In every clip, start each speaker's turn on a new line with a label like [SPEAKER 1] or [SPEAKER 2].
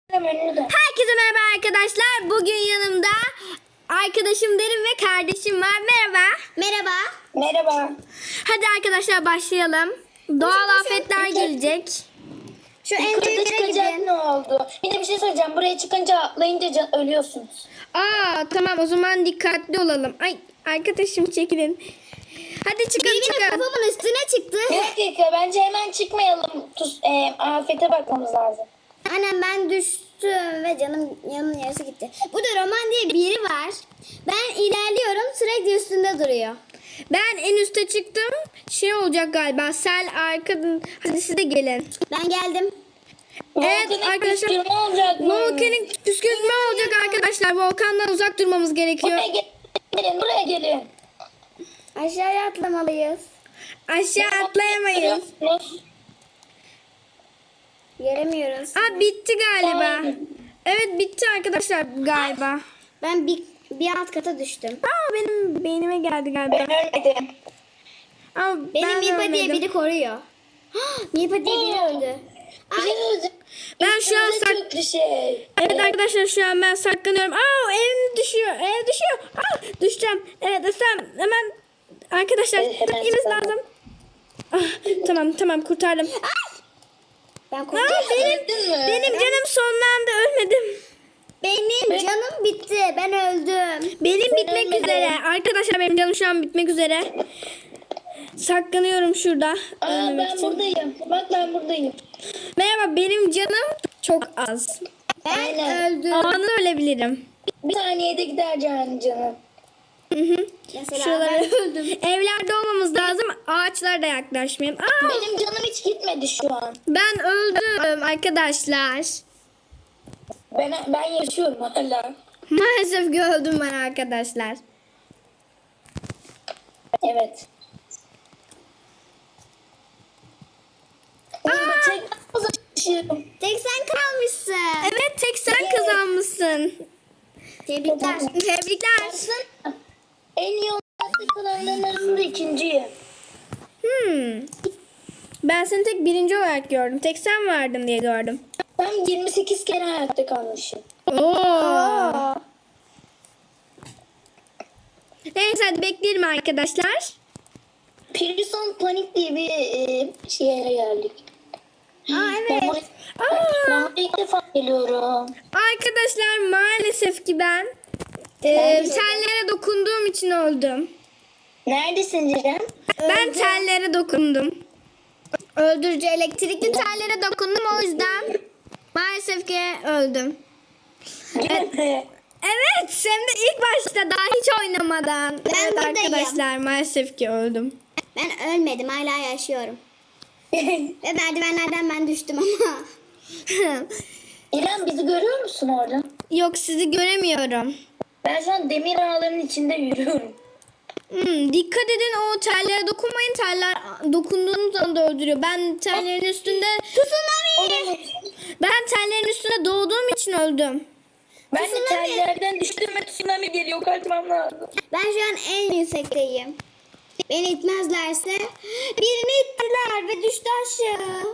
[SPEAKER 1] Herkese merhaba arkadaşlar. Bugün yanımda arkadaşım Derin ve kardeşim var. Merhaba.
[SPEAKER 2] Merhaba.
[SPEAKER 3] Merhaba.
[SPEAKER 1] Hadi arkadaşlar başlayalım. Doğal afetler gelecek.
[SPEAKER 2] Şu en
[SPEAKER 3] Yukarıda
[SPEAKER 2] büyük yere
[SPEAKER 3] çıkacak
[SPEAKER 2] gidin.
[SPEAKER 3] ne oldu? Bir de bir şey söyleyeceğim. Buraya çıkınca atlayınca ölüyorsunuz.
[SPEAKER 1] Tamam o zaman dikkatli olalım. Ay arkadaşım çekilin. Hadi çıkın
[SPEAKER 2] Benim
[SPEAKER 1] çıkın.
[SPEAKER 2] kafamın üstüne çıktı.
[SPEAKER 3] Bir dakika bence hemen çıkmayalım. Afete bakmamız lazım.
[SPEAKER 2] Annem ben düştüm ve yanımın yarısı gitti. Burada Roman diye biri var. Ben ilerliyorum sürekli üstünde duruyor.
[SPEAKER 1] Ben en üste çıktım. Şey olacak galiba. Sel arkadan. Hadi siz de gelin.
[SPEAKER 2] Ben geldim.
[SPEAKER 1] Evet
[SPEAKER 3] Volkanik
[SPEAKER 1] arkadaşlar.
[SPEAKER 3] püskürme olacak mı?
[SPEAKER 1] Volkanik püskürtme olacak arkadaşlar. Volkandan uzak durmamız gerekiyor.
[SPEAKER 3] Buraya gelin.
[SPEAKER 2] Aşağıya atlamalıyız.
[SPEAKER 1] Aşağı atlayamayız.
[SPEAKER 2] Gelemiyoruz.
[SPEAKER 1] Bitti galiba. Evet bitti arkadaşlar galiba.
[SPEAKER 2] Ben bir alt kata düştüm.
[SPEAKER 1] Benim beynime geldi galiba.
[SPEAKER 3] Ben ölmedim.
[SPEAKER 1] Ama
[SPEAKER 2] Benim
[SPEAKER 1] ben
[SPEAKER 2] Mipa diye
[SPEAKER 1] ölmedim.
[SPEAKER 2] biri koruyor. Mipa diye biri öldü.
[SPEAKER 1] Ben şu an sak...
[SPEAKER 3] Çok bir şey.
[SPEAKER 1] Evet arkadaşlar şu an ben saklanıyorum. Ev düşüyor. Ev düşüyor. Düşeceğim. Evet Esem hemen arkadaşlar
[SPEAKER 3] Hemen
[SPEAKER 1] gitmemiz
[SPEAKER 3] saklan.
[SPEAKER 1] lazım. Tamam kurtardım.
[SPEAKER 2] Ben korktum.
[SPEAKER 1] Benim canım sonlandı ölmedim.
[SPEAKER 2] Benim canım bitti. Ben öldüm.
[SPEAKER 1] Benim bitmek
[SPEAKER 3] ölmedim.
[SPEAKER 1] üzere. Arkadaşlar benim canım şu an bitmek üzere. Saklanıyorum şurada. ölmemek
[SPEAKER 3] Ben
[SPEAKER 1] için.
[SPEAKER 3] buradayım. Bak ben buradayım.
[SPEAKER 1] Merhaba benim canım çok az.
[SPEAKER 2] Ben
[SPEAKER 3] Aynen.
[SPEAKER 2] öldüm.
[SPEAKER 1] Anında ölebilirim.
[SPEAKER 3] Bir saniyede gider canım.
[SPEAKER 2] Mesela
[SPEAKER 1] Şuralara
[SPEAKER 2] ben öldüm.
[SPEAKER 1] evlerde olmamız lazım. Ağaçlara da yaklaşmayayım.
[SPEAKER 3] Benim canım hiç gitmedi şu an.
[SPEAKER 1] Ben öldüm arkadaşlar.
[SPEAKER 3] Ben yaşıyorum hala.
[SPEAKER 1] Maalesef ki öldüm ben arkadaşlar.
[SPEAKER 3] Evet. Yaşıyorum.
[SPEAKER 2] Tek sen kalmışsın.
[SPEAKER 1] Evet tek sen kazanmışsın.
[SPEAKER 2] Tebrikler.
[SPEAKER 1] Tebrikler.
[SPEAKER 3] Baksana. En iyi olarak kalanların arasında ikinciyim.
[SPEAKER 1] Ben seni tek birinci olarak gördüm. Tek sen vardın diye gördüm.
[SPEAKER 3] Ben 28 kere hayatta kalmışım.
[SPEAKER 1] Oo. Neyse hadi bekleyelim arkadaşlar.
[SPEAKER 3] Prison Panic diye bir yere geldik.
[SPEAKER 2] Evet.
[SPEAKER 3] Ben buraya ilk defa geliyorum.
[SPEAKER 1] Arkadaşlar maalesef ki ben tellere dokunduğum için öldüm.
[SPEAKER 3] Neredesin Ceren?
[SPEAKER 1] Ben tellere dokundum. Öldürücü elektrikli tellere dokundum o yüzden maalesef ki öldüm. Evet hem de ilk başta daha hiç oynamadan.
[SPEAKER 2] Ben
[SPEAKER 1] Evet
[SPEAKER 2] buradayım.
[SPEAKER 1] arkadaşlar maalesef ki öldüm.
[SPEAKER 2] Ben ölmedim. Hala yaşıyorum. Ve merdivenlerden ben düştüm ama.
[SPEAKER 3] İrem bizi görüyor musun orada?
[SPEAKER 1] Yok sizi göremiyorum.
[SPEAKER 3] Ben şu an demir ağların içinde yürüyorum.
[SPEAKER 1] Dikkat edin o tellere dokunmayın. Teller dokunduğunuz anda öldürüyor. Ben tellerin üstünde ben tellerin üstünde doğduğum için öldüm.
[SPEAKER 3] Ben de tellerden düştüm ve tsunami geliyor. Kaçmam lazım.
[SPEAKER 2] Ben şu an en yüksekteyim. Beni itmezlerse birini ittiler ve düştü aşağı.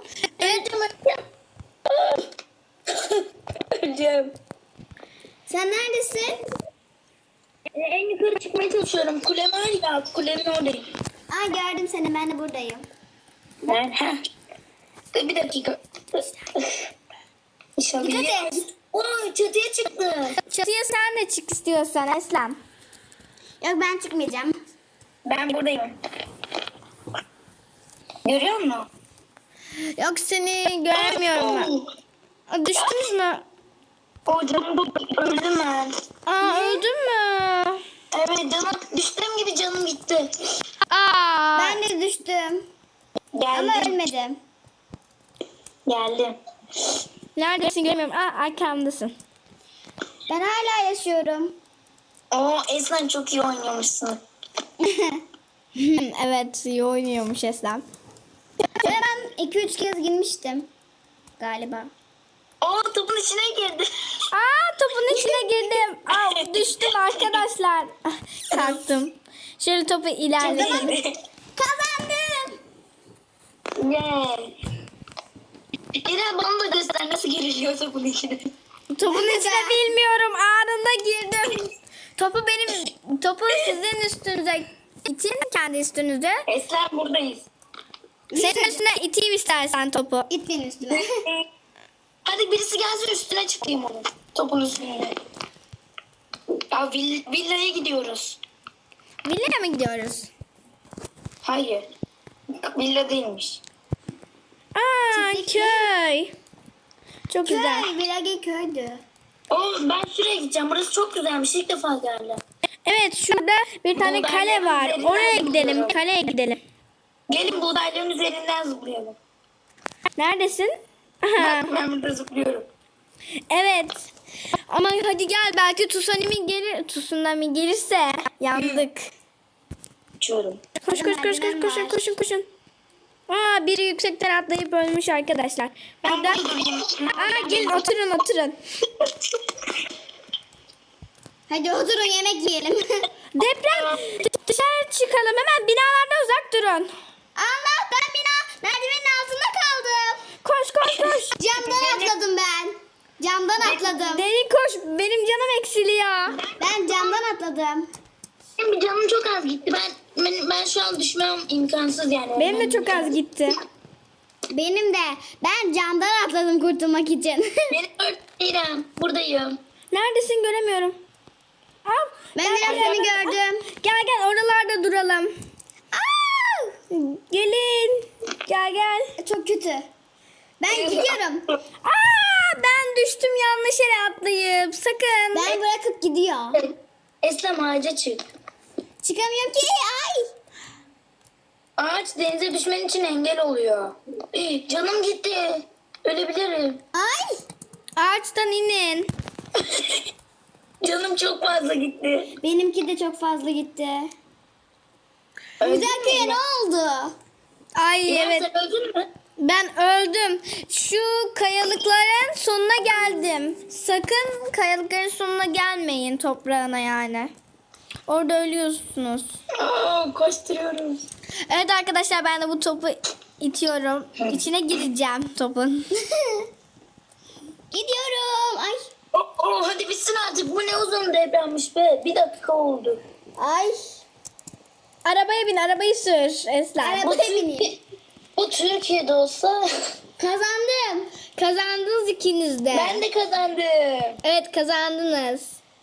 [SPEAKER 3] Öleceğim.
[SPEAKER 2] Sen neredesin?
[SPEAKER 3] En yukarı çıkmaya çalışıyorum. Kule var ya. Kulenin oradayım.
[SPEAKER 2] Gördüm seni. Ben de buradayım.
[SPEAKER 3] Bir dakika. İnşallah.
[SPEAKER 2] Dikkat et.
[SPEAKER 3] Çatıya çıktı.
[SPEAKER 1] Çatıya sen de çık istiyorsan Eslem.
[SPEAKER 2] Yok ben çıkmayacağım.
[SPEAKER 3] Ben buradayım. Görüyor musun?
[SPEAKER 1] Yok seni göremiyorum ben. Düştünüz mü?
[SPEAKER 3] O canım öldüm ben.
[SPEAKER 1] Öldün mü?
[SPEAKER 3] Evet canım düştüğüm gibi canım gitti.
[SPEAKER 2] Ben de düştüm. Ama
[SPEAKER 3] Geldim.
[SPEAKER 2] ölmedim.
[SPEAKER 3] Geldim.
[SPEAKER 1] Neredesin göremiyorum. Arkamdasın.
[SPEAKER 2] Ben hala yaşıyorum.
[SPEAKER 3] Eslen çok iyi oynuyormuşsun.
[SPEAKER 1] Evet iyi oynuyormuş Eslem.
[SPEAKER 2] Şöyle ben 2-3 kez girmiştim. Galiba.
[SPEAKER 3] Topun içine girdi.
[SPEAKER 1] Topun içine girdim. Düştüm arkadaşlar. Kalktım. Şöyle topu ilerleyelim.
[SPEAKER 2] Kazandım.
[SPEAKER 3] Yeah. İrem bana da göster nasıl giriliyor topun içine.
[SPEAKER 1] Topun içine bilmiyorum. Anında girdim. Topu sizin üstünüze itin. Kendi üstünüze.
[SPEAKER 3] Esra buradayız.
[SPEAKER 1] Senin üstüne iteyim istersen topu.
[SPEAKER 2] İt benim üstüme.
[SPEAKER 3] Hadi birisi gelsin üstüne çıkayım onun. Topun üstüne. Ya villaya gidiyoruz.
[SPEAKER 1] Villaya mı gidiyoruz?
[SPEAKER 3] Hayır. Villa değilmiş.
[SPEAKER 1] Aa, köy. Çok güzel.
[SPEAKER 2] Köy. Bilagi köydü.
[SPEAKER 3] Ben şuraya gideceğim. Burası çok güzelmiş. İlk defa geldim.
[SPEAKER 1] Evet, şurada bir tane kale var. Oraya gidelim. Kaleye gidelim.
[SPEAKER 3] Gelin buğdayların üzerinden zıplayalım.
[SPEAKER 1] Neredesin? Aha.
[SPEAKER 3] Bak ben burada zıplıyorum.
[SPEAKER 1] Evet. Ama hadi gel, belki tsunami gelirse yandık.
[SPEAKER 3] Uçuyorum.
[SPEAKER 1] Koşun. Aa, biri yüksekten atlayıp ölmüş arkadaşlar.
[SPEAKER 3] Ben
[SPEAKER 1] Burada.
[SPEAKER 3] burada durayım.
[SPEAKER 1] Aa, gelin oturun.
[SPEAKER 2] Hadi oturun yemek yiyelim.
[SPEAKER 1] Deprem, dışarı çıkalım, hemen binalardan uzak durun.
[SPEAKER 2] Allah ben merdivenin altında kaldım.
[SPEAKER 1] Koş.
[SPEAKER 2] Camdan atladım ben. Camdan atladım.
[SPEAKER 1] Derin koş, benim canım eksiliyor.
[SPEAKER 2] Ben camdan atladım.
[SPEAKER 3] Benim canım çok az gitti. Ben şu an düşmem imkansız yani.
[SPEAKER 1] Benim de çok az gitti.
[SPEAKER 2] Benim de. Ben camdan atladım kurtulmak için.
[SPEAKER 3] Beni öldürürüm. Buradayım.
[SPEAKER 1] Neredesin, göremiyorum. Al,
[SPEAKER 2] Ben
[SPEAKER 1] gel,
[SPEAKER 2] biraz
[SPEAKER 1] gel,
[SPEAKER 2] seni
[SPEAKER 1] gel.
[SPEAKER 2] gördüm.
[SPEAKER 1] Gel oralarda duralım.
[SPEAKER 2] Aa!
[SPEAKER 1] Gelin. Gel.
[SPEAKER 2] Çok kötü. Ben gidiyorum.
[SPEAKER 1] Aa, ben düştüm yanlış yere atlayıp. Sakın.
[SPEAKER 2] Ben bırakıp gidiyor.
[SPEAKER 3] Eslem ağaca çık.
[SPEAKER 2] Çıkamıyorum ki. Ay.
[SPEAKER 3] Ağaç denize düşmen için engel oluyor. Canım gitti. Ölebilirim.
[SPEAKER 2] Ay.
[SPEAKER 1] Ağaçtan inin.
[SPEAKER 3] Canım çok fazla gitti.
[SPEAKER 2] Benimki de çok fazla gitti.
[SPEAKER 3] Öldün
[SPEAKER 2] Güzel
[SPEAKER 3] mü
[SPEAKER 2] köye
[SPEAKER 3] İrem?
[SPEAKER 2] ne oldu?
[SPEAKER 1] Ay
[SPEAKER 3] İrem,
[SPEAKER 1] evet.
[SPEAKER 3] sen öldün mü?
[SPEAKER 1] Ben öldüm. Şu kayalıkların sonuna geldim. Sakın kayalıkların sonuna gelmeyin, toprağına yani. Orada ölüyorsunuz.
[SPEAKER 3] Koşturuyoruz.
[SPEAKER 1] Evet arkadaşlar, ben de bu topu itiyorum. İçine gireceğim topun.
[SPEAKER 2] Gidiyorum. Ay.
[SPEAKER 3] Hadi bitsin artık. Bu ne uzun depremmiş be. 1 dakika oldu.
[SPEAKER 2] Ay.
[SPEAKER 1] Arabaya bin, arabayı sür Esler.
[SPEAKER 2] Arabaya bineyim.
[SPEAKER 3] Bu Türkiye'de olsa
[SPEAKER 2] Kazandım.
[SPEAKER 1] Kazandınız ikiniz de.
[SPEAKER 3] ben de kazandım.
[SPEAKER 1] Evet, kazandınız.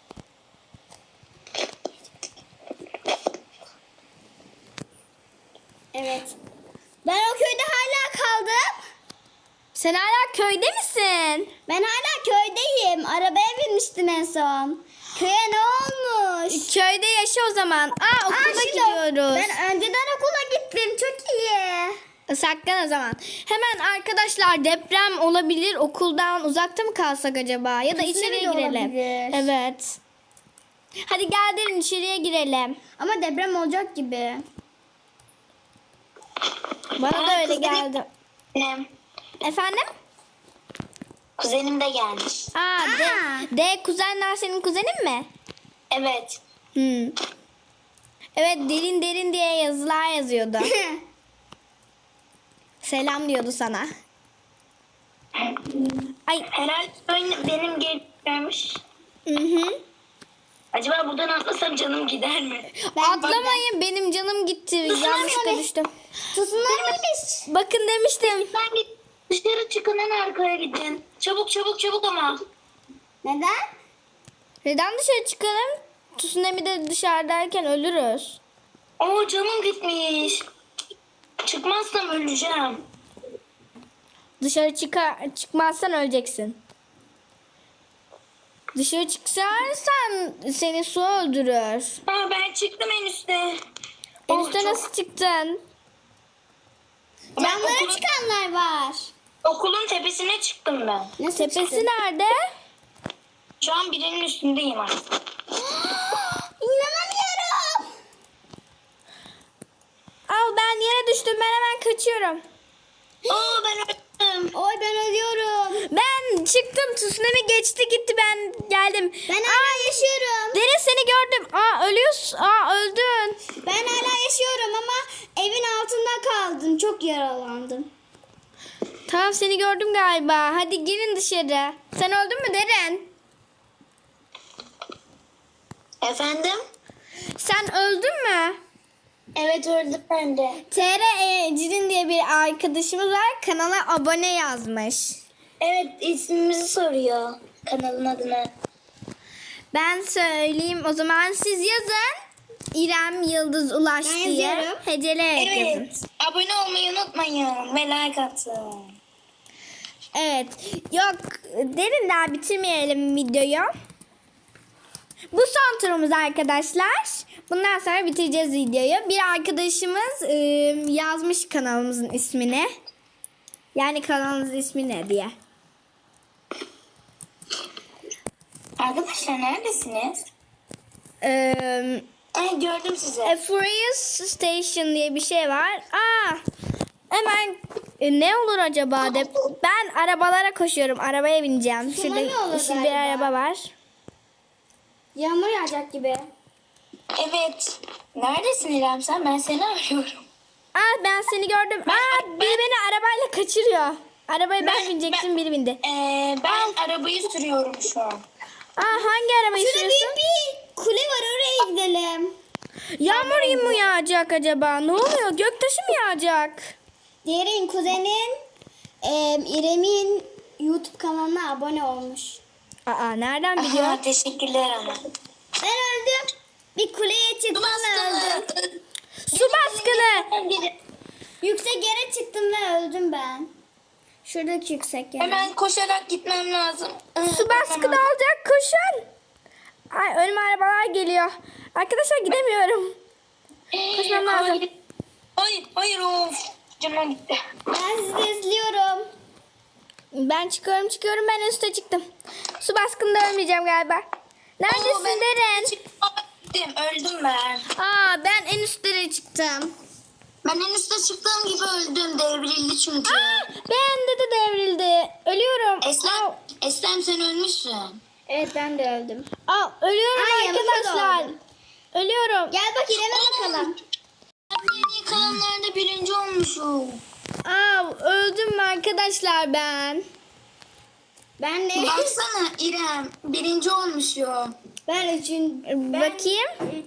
[SPEAKER 2] Evet. Ben o köyde hala kaldım.
[SPEAKER 1] Sen hala köyde misin?
[SPEAKER 2] Ben hala köydeyim. Arabaya binmiştim en son. Köye ne olmuş?
[SPEAKER 1] Köyde yaşa o zaman. Aa, okula
[SPEAKER 2] Aa, şimdi
[SPEAKER 1] gidiyoruz.
[SPEAKER 2] Ben önceden okula gittim. Çok iyi.
[SPEAKER 1] Saklan o zaman. Hemen arkadaşlar, deprem olabilir. Okuldan uzakta mı kalsak acaba? Ya da
[SPEAKER 2] Kesinlikle
[SPEAKER 1] içeriye girelim.
[SPEAKER 2] olabilir.
[SPEAKER 1] Evet. Hadi gel derin, içeriye girelim.
[SPEAKER 2] Ama deprem olacak gibi.
[SPEAKER 1] Bana da öyle geldi.
[SPEAKER 3] Benim
[SPEAKER 1] Efendim?
[SPEAKER 3] kuzenim de gelmiş.
[SPEAKER 1] Aa, D kuzenler senin kuzenin mi?
[SPEAKER 3] Evet.
[SPEAKER 1] Evet, derin diye yazılar yazıyordu. Selam diyordu sana. Ay.
[SPEAKER 3] Herhalde benim gelmiş.
[SPEAKER 1] Hı.
[SPEAKER 3] Acaba buradan atlasam canım gider mi?
[SPEAKER 1] Atlamayın, benim canım gitti. Yanlışlıkla düştüm.
[SPEAKER 2] Tsunami'miş.
[SPEAKER 1] Bakın demiştim.
[SPEAKER 3] Ben git dışarı çıkın en arkaya gidin. Çabuk ama.
[SPEAKER 2] Neden?
[SPEAKER 1] Neden dışarı çıkalım? Tsunami'de dışarıdayken ölürüz.
[SPEAKER 3] Canım gitmiş. Çıkmazsam öleceğim.
[SPEAKER 1] Dışarı çıkmazsan öleceksin. Dışarı çıkarsan seni su öldürür.
[SPEAKER 3] Ben çıktım en üstte.
[SPEAKER 1] En üstte nasıl çıktın?
[SPEAKER 2] Camlara
[SPEAKER 3] okulun,
[SPEAKER 2] çıkanlar var.
[SPEAKER 3] okulun tepesine çıktım ben.
[SPEAKER 2] Nasıl
[SPEAKER 1] Tepesi
[SPEAKER 2] çıktın?
[SPEAKER 1] nerede?
[SPEAKER 3] Şu an birinin üstündeyim artık.
[SPEAKER 2] İnanamıyorum.
[SPEAKER 1] Al, ben yere düştüm. Ben hemen kaçıyorum.
[SPEAKER 3] Ben öldüm.
[SPEAKER 2] Oy ben ölüyorum.
[SPEAKER 1] Ben çıktım. Tsunami geçti gitti. Ben geldim.
[SPEAKER 2] Ben hala yaşıyorum.
[SPEAKER 1] Derin, seni gördüm. Ölüyorsun. Öldün.
[SPEAKER 2] Ben hala yaşıyorum ama evin altında kaldım. Çok yaralandım.
[SPEAKER 1] Tamam, seni gördüm galiba. Hadi girin dışarı. Sen öldün mü Derin?
[SPEAKER 3] Efendim?
[SPEAKER 1] Sen öldün mü?
[SPEAKER 3] Evet öldüm ben de.
[SPEAKER 1] Cirin diye bir arkadaşımız var. Kanala abone yazmış.
[SPEAKER 3] Evet ismimizi soruyor. Kanalın adını.
[SPEAKER 1] Ben söyleyeyim o zaman, siz yazın. İrem Yıldız Ulaş
[SPEAKER 2] Ben
[SPEAKER 1] diye.
[SPEAKER 2] yazıyorum.
[SPEAKER 1] Heceleyerek yazın.
[SPEAKER 3] Evet. Abone olmayı unutmayın. Ve like atın.
[SPEAKER 1] Evet. Yok, derin daha bitirmeyelim videoyu. Bu son turumuz arkadaşlar. Bundan sonra bitireceğiz videoyu. Bir arkadaşımız yazmış kanalımızın ismini. Yani kanalımızın ismi ne diye.
[SPEAKER 3] Arkadaşlar neredesiniz? Gördüm sizi.
[SPEAKER 1] Furious Station diye bir şey var. Hemen ne olur acaba de. Ben arabalara koşuyorum. Arabaya bineceğim.
[SPEAKER 2] Şuna ne olur
[SPEAKER 1] Yeşil bir
[SPEAKER 2] galiba?
[SPEAKER 1] araba var.
[SPEAKER 2] Yağmur yağacak gibi.
[SPEAKER 3] Evet. Neredesin İrem sen? Ben seni arıyorum.
[SPEAKER 1] Ben seni gördüm. Biri beni arabayla kaçırıyor. Arabaya ben binecektim, biri bindi.
[SPEAKER 3] Ben arabayı sürüyorum şu an.
[SPEAKER 1] Hangi arabayı
[SPEAKER 2] Şurada
[SPEAKER 1] sürüyorsun?
[SPEAKER 2] büyük bir kule var, oraya gidelim.
[SPEAKER 1] Yağmur mu yağacak acaba? Ne oluyor? Göktaşı mı yağacak?
[SPEAKER 2] Diğerin kuzenin İrem'in YouTube kanalına abone olmuş.
[SPEAKER 1] Nereden biliyor?
[SPEAKER 3] Aha, teşekkürler ana.
[SPEAKER 2] Ben öldüm. Bir kuleye çıktım ve öldüm.
[SPEAKER 1] Su baskını.
[SPEAKER 2] Yüksek yere çıktım ve öldüm ben. Şuradaki yüksek yere.
[SPEAKER 3] Hemen koşarak gitmem lazım.
[SPEAKER 1] Su baskını olacak, koşun. Önüme arabalar geliyor. Arkadaşlar gidemiyorum. Koşmam lazım.
[SPEAKER 3] Hayır of. Canıma gitti.
[SPEAKER 2] Ben sizi izliyorum.
[SPEAKER 1] Ben çıkıyorum. Ben üste çıktım. Su baskında ölmeyeceğim galiba. Neredesin Deren?
[SPEAKER 3] Gittim, öldüm ben.
[SPEAKER 1] Ben en üstlere çıktım.
[SPEAKER 3] Ben en üstte çıktığım gibi öldüm. Devrildi çünkü.
[SPEAKER 1] Bende de devrildi. Ölüyorum.
[SPEAKER 3] Eslem sen ölmüşsün.
[SPEAKER 2] Evet, ben de öldüm.
[SPEAKER 1] Ölüyorum
[SPEAKER 2] yanımda
[SPEAKER 1] arkadaşlar.
[SPEAKER 2] doğdu.
[SPEAKER 1] Ölüyorum.
[SPEAKER 2] Gel bak İrem'e bakalım.
[SPEAKER 3] En iyi kalanlarda birinci olmuşum.
[SPEAKER 1] Öldüm arkadaşlar ben.
[SPEAKER 2] Ben de.
[SPEAKER 3] Baksana İrem birinci olmuşum.
[SPEAKER 2] Ben üçüncü.
[SPEAKER 1] Bakayım.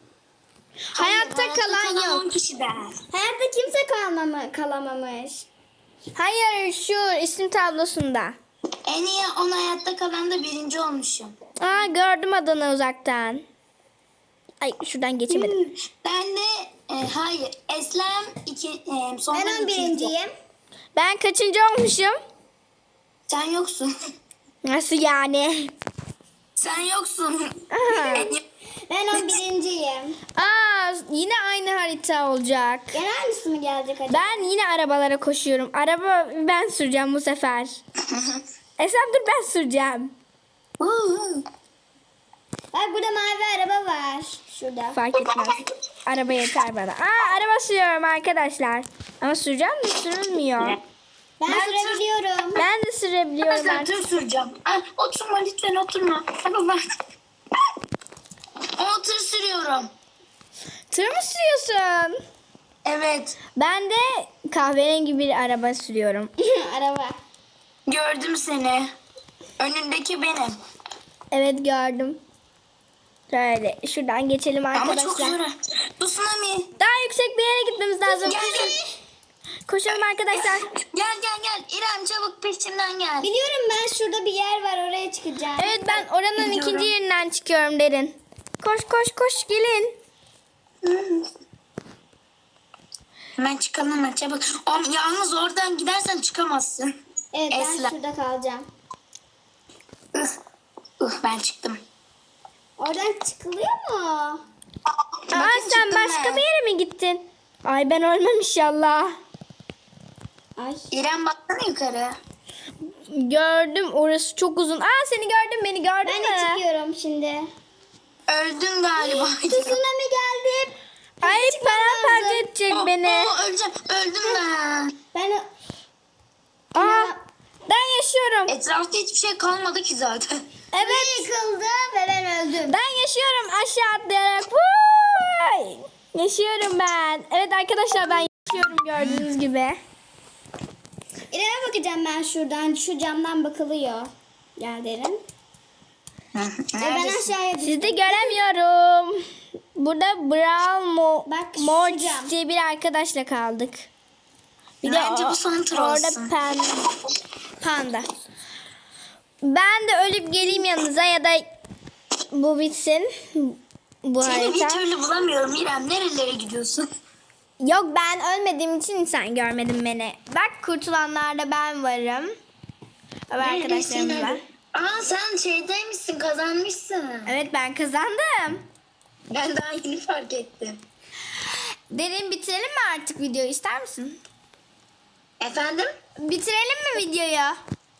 [SPEAKER 1] Hayatta kalan yok.
[SPEAKER 3] 10 kişiden.
[SPEAKER 2] Hayatta kimse kalamamış.
[SPEAKER 1] Hayır, şu isim tablosunda.
[SPEAKER 3] En iyi 10 hayatta kalan da birinci olmuşum.
[SPEAKER 1] Gördüm adını uzaktan. Ay, şuradan geçemedim.
[SPEAKER 3] Ben de hayır Eslem sonra
[SPEAKER 2] Ben 11.'yim.
[SPEAKER 1] Ben kaçıncı olmuşum?
[SPEAKER 3] Sen yoksun.
[SPEAKER 1] Nasıl yani?
[SPEAKER 3] Sen yoksun.
[SPEAKER 2] Ben 11.'yim.
[SPEAKER 1] Yine aynı harita olacak.
[SPEAKER 2] Gene aynısı mı gelecek acaba?
[SPEAKER 1] Ben yine arabalara koşuyorum. Araba ben süreceğim bu sefer. Esem dur, ben süreceğim.
[SPEAKER 2] Bak burada mavi araba var. Şurada.
[SPEAKER 1] Fark etmez. Araba yeter bana. Araba sürüyorum arkadaşlar. Ama süreceğim de sürülmüyor.
[SPEAKER 2] Ben sürebiliyorum.
[SPEAKER 1] Ben de sürebiliyorum
[SPEAKER 3] Ben
[SPEAKER 1] artık.
[SPEAKER 3] tır süreceğim. Oturma lütfen oturma. Ama ben... O tır sürüyorum.
[SPEAKER 1] Tır mı sürüyorsun?
[SPEAKER 3] Evet.
[SPEAKER 1] Ben de kahverengi bir araba sürüyorum.
[SPEAKER 2] Araba.
[SPEAKER 3] Gördüm seni. Önündeki benim.
[SPEAKER 1] Evet, gördüm. Şöyle şuradan geçelim
[SPEAKER 3] Ama çok
[SPEAKER 1] arkadaşlar.
[SPEAKER 3] zor. Bu tsunami.
[SPEAKER 1] Daha yüksek bir yere gitmemiz lazım.
[SPEAKER 3] Gel.
[SPEAKER 1] Koşalım arkadaşlar.
[SPEAKER 3] Gel. İrem çabuk peşimden gel.
[SPEAKER 2] Biliyorum, ben şurada bir yer var, oraya çıkacağım.
[SPEAKER 1] Evet, ben oranın
[SPEAKER 3] Gidiyorum.
[SPEAKER 1] ikinci yerinden çıkıyorum Derin. Koş gelin.
[SPEAKER 3] Hemen çıkalım hemen çabuk. Yalnız oradan gidersen çıkamazsın.
[SPEAKER 2] Evet, ben
[SPEAKER 3] Esla.
[SPEAKER 2] şurada kalacağım.
[SPEAKER 3] Ben çıktım.
[SPEAKER 2] Oradan çıkılıyor mu?
[SPEAKER 1] Sen
[SPEAKER 3] çıktım
[SPEAKER 1] başka
[SPEAKER 3] ben.
[SPEAKER 1] bir yere mi gittin? Ay, ben ölmem inşallah.
[SPEAKER 2] Ay.
[SPEAKER 3] İrem baksana yukarı.
[SPEAKER 1] Gördüm, orası çok uzun. Seni gördüm, beni gördün
[SPEAKER 2] Ben
[SPEAKER 1] mü?
[SPEAKER 2] de çıkıyorum şimdi.
[SPEAKER 3] Öldün galiba.
[SPEAKER 2] Tsunami geldi.
[SPEAKER 1] Ay, paramparça edecek beni.
[SPEAKER 3] Öleceğim. Öldüm ben.
[SPEAKER 2] Ben
[SPEAKER 1] Ben yaşıyorum.
[SPEAKER 3] Etrafta hiçbir şey kalmadı ki zaten.
[SPEAKER 1] Evet.
[SPEAKER 2] yıkıldı ve ben öldüm.
[SPEAKER 1] Ben yaşıyorum aşağı atlayarak. Vay! Yaşıyorum ben. Evet arkadaşlar, ben yaşıyorum gördüğünüz gibi.
[SPEAKER 2] İrem'e bakacağım ben şuradan. Şu camdan bakılıyor. Gel Derin. Ben
[SPEAKER 3] Neredesin?
[SPEAKER 2] aşağıya düştüm.
[SPEAKER 1] Sizi göremiyorum. Burada
[SPEAKER 2] Bak,
[SPEAKER 1] Morç
[SPEAKER 2] şurada.
[SPEAKER 1] diye bir arkadaşla kaldık. Bir
[SPEAKER 3] Bence bu son tur
[SPEAKER 1] orada
[SPEAKER 3] olsun.
[SPEAKER 1] panda. Ben de ölüp geleyim yanınıza ya da bu bitsin. Bu
[SPEAKER 3] Seni bir
[SPEAKER 1] harita.
[SPEAKER 3] türlü bulamıyorum İrem. Nerelere gidiyorsun?
[SPEAKER 1] Yok, ben ölmediğim için sen görmedin beni. Bak, kurtulanlarda ben varım. Ve arkadaşlarımız var.
[SPEAKER 3] Aa sen şeydeymişsin, kazanmışsın.
[SPEAKER 1] Evet, ben kazandım.
[SPEAKER 3] Ben daha yeni fark ettim.
[SPEAKER 1] Derin, bitirelim mi artık videoyu, ister misin?
[SPEAKER 3] Efendim?
[SPEAKER 1] Bitirelim mi videoyu?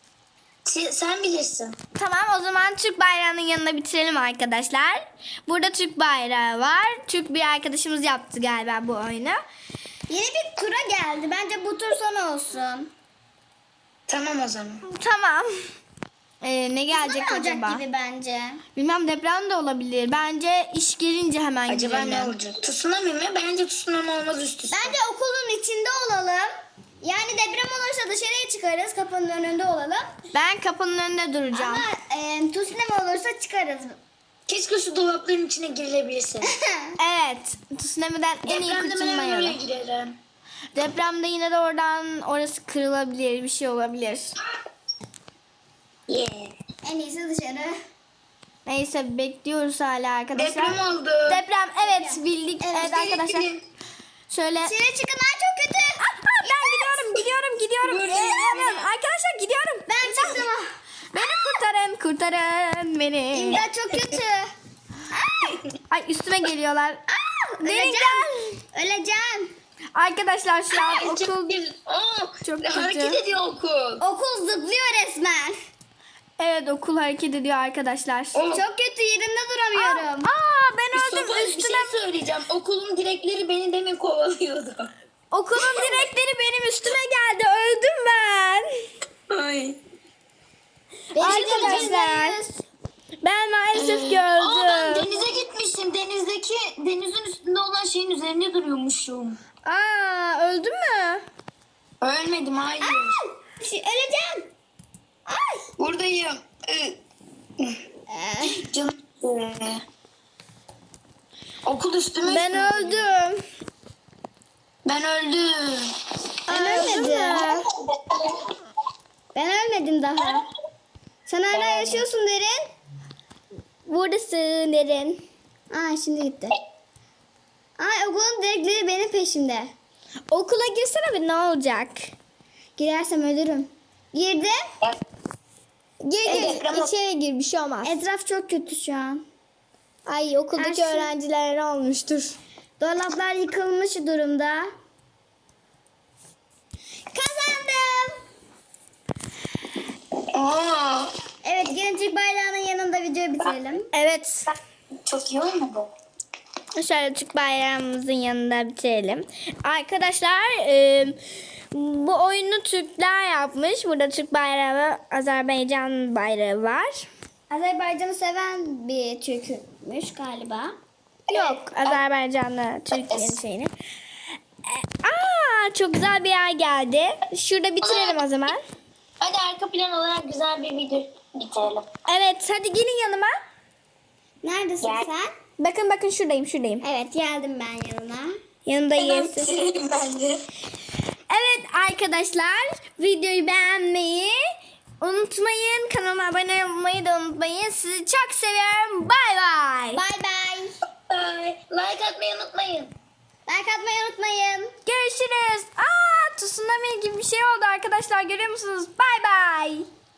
[SPEAKER 3] Sen bilirsin.
[SPEAKER 1] Tamam, o zaman Türk bayrağının yanına bitirelim arkadaşlar. Burada Türk bayrağı var. Türk bir arkadaşımız yaptı galiba bu oyunu.
[SPEAKER 2] Yeni bir tura geldi. Bence bu tur son olsun.
[SPEAKER 3] Tamam o zaman.
[SPEAKER 1] Tamam. Ne gelecek
[SPEAKER 2] Ne olacak
[SPEAKER 1] acaba?
[SPEAKER 2] gibi bence.
[SPEAKER 1] Bilmem, deprem de olabilir. Bence iş gelince hemen
[SPEAKER 3] Acaba
[SPEAKER 1] girelim.
[SPEAKER 3] ne olacak? Tsunami mi? Bence tsunami olmaz üst üste.
[SPEAKER 2] Bence okulun içinde olalım. Yani deprem olursa dışarıya çıkarız. Kapının önünde olalım.
[SPEAKER 1] Ben kapının önünde duracağım.
[SPEAKER 2] Ama tsunami olursa çıkarız.
[SPEAKER 3] Keşke şu dolapların içine girilebilse.
[SPEAKER 1] Evet. Tsunami'den en iyi
[SPEAKER 3] Depremde ben
[SPEAKER 1] kurtulma
[SPEAKER 3] oraya
[SPEAKER 1] yolu.
[SPEAKER 3] girerim.
[SPEAKER 1] Depremde yine de orası kırılabilir. Bir şey olabilir.
[SPEAKER 3] Yeah.
[SPEAKER 2] En iyisi dışarı.
[SPEAKER 1] Neyse, bekliyoruz hala arkadaşlar.
[SPEAKER 3] Deprem oldu.
[SPEAKER 1] Deprem, evet, bildik. Evet arkadaşlar. Şöyle.
[SPEAKER 2] Dışarı çıkın, çok kötü.
[SPEAKER 1] Ben gidiyorum. Evet, arkadaşlar gidiyorum.
[SPEAKER 2] Ben çıktım.
[SPEAKER 1] Beni kurtarın beni.
[SPEAKER 2] İmdat, çok kötü.
[SPEAKER 1] Ay, üstüme geliyorlar. Derin
[SPEAKER 2] Öleceğim.
[SPEAKER 1] gel.
[SPEAKER 2] Öleceğim.
[SPEAKER 1] Arkadaşlar şu an okul çok kötü.
[SPEAKER 3] Hareket ediyor okul.
[SPEAKER 2] Okul zıplıyor resmen.
[SPEAKER 1] Evet, okul hareket ediyor arkadaşlar.
[SPEAKER 2] Çok kötü, yerimde duramıyorum.
[SPEAKER 1] Ben öldüm
[SPEAKER 3] Bir
[SPEAKER 1] üstüne.
[SPEAKER 3] şey söyleyeceğim. Okulun direkleri beni demin kovalıyordu.
[SPEAKER 1] Okulun direkleri benim üstüme geldi. Öldüm ben.
[SPEAKER 3] Ay.
[SPEAKER 1] Arkadaşlar, ben maalesef
[SPEAKER 3] Aa, ben
[SPEAKER 1] gördüm.
[SPEAKER 3] denize gitmişim. Denizin üstünde olan şeyin üzerinde duruyormuşum.
[SPEAKER 1] Öldün mü?
[SPEAKER 3] Ölmedim, hayır.
[SPEAKER 2] Öleceğim. Ay.
[SPEAKER 3] Buradayım. Canım. Okul üstüme.
[SPEAKER 1] Ben öldüm.
[SPEAKER 3] Ben öldüm.
[SPEAKER 2] Ben ölmedim. Ben ölmedim daha. Sen hala yaşıyorsun Derin.
[SPEAKER 1] Buradasın Derin.
[SPEAKER 2] Şimdi gitti. Okulun direkleri benim peşimde.
[SPEAKER 1] Okula girsene bir, ne olacak?
[SPEAKER 2] Girersem ölürüm. Girdim.
[SPEAKER 1] Gir
[SPEAKER 3] deprem
[SPEAKER 1] içeri gir, bir şey olmaz.
[SPEAKER 2] Etraf çok kötü şu an.
[SPEAKER 1] Ay, okuldaki
[SPEAKER 2] Her şey-
[SPEAKER 1] öğrencilere ne olmuştur?
[SPEAKER 2] Dolaplar yıkılmış durumda. Kazandım.
[SPEAKER 3] Aa,
[SPEAKER 2] Evet, gelin Türk bayrağının yanında videoyu bitirelim.
[SPEAKER 1] Evet.
[SPEAKER 3] çok iyi olmadı.
[SPEAKER 1] Şöyle Türk bayrağımızın yanında bitirelim. Arkadaşlar, bu oyunu Türkler yapmış. Burada Türk bayrağı ve Azerbaycan bayrağı var.
[SPEAKER 2] Azerbaycan'ı seven bir Türkmüş galiba.
[SPEAKER 1] Yok, Azerbaycan'la Türkiye'nin şeyini. Çok güzel bir yer geldi. Şurada bitirelim o zaman.
[SPEAKER 3] Hadi arka plan olarak güzel bir video bitirelim.
[SPEAKER 1] Evet, hadi gelin yanıma.
[SPEAKER 2] Neredesin
[SPEAKER 3] Gel.
[SPEAKER 2] sen?
[SPEAKER 1] Bakın şuradayım.
[SPEAKER 2] Evet, geldim ben yanına.
[SPEAKER 1] Yanındayım.
[SPEAKER 3] Bitirelim bence.
[SPEAKER 1] Evet arkadaşlar, videoyu beğenmeyi unutmayın. Kanalıma abone olmayı da unutmayın. Sizi çok seviyorum. Bay bay.
[SPEAKER 2] Bay bay.
[SPEAKER 3] Bye. Like atmayı unutmayın.
[SPEAKER 2] Like atmayı unutmayın.
[SPEAKER 1] Görüşürüz. Tsunami gibi bir şey oldu arkadaşlar, görüyor musunuz? Bay bay.